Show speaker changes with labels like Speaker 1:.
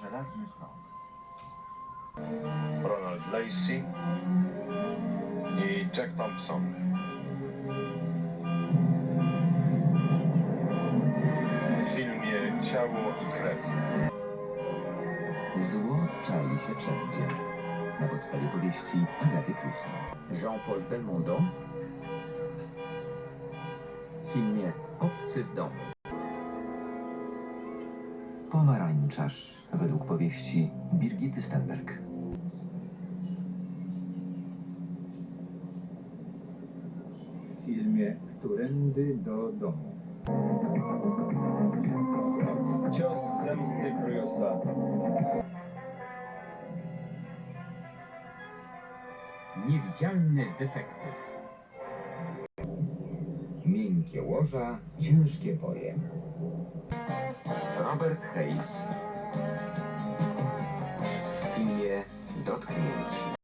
Speaker 1: Żelazny krąg.
Speaker 2: Ronald Lacey i Jack Thompson. W filmie Ciało i krew.
Speaker 3: Zło czai się wszędzie. Na podstawie powieści Agaty Christie. Jean-Paul Belmondo w filmie Obcy w domu. Pomarańczarz według powieści Birgity Stenberg.
Speaker 4: W filmie Którędy do domu.
Speaker 2: Cios zemsty Bruce'a.
Speaker 4: Niewidzialny detektyw.
Speaker 3: Miękkie łoża, ciężkie boje. Robert Hayes w filmie Dotknięci.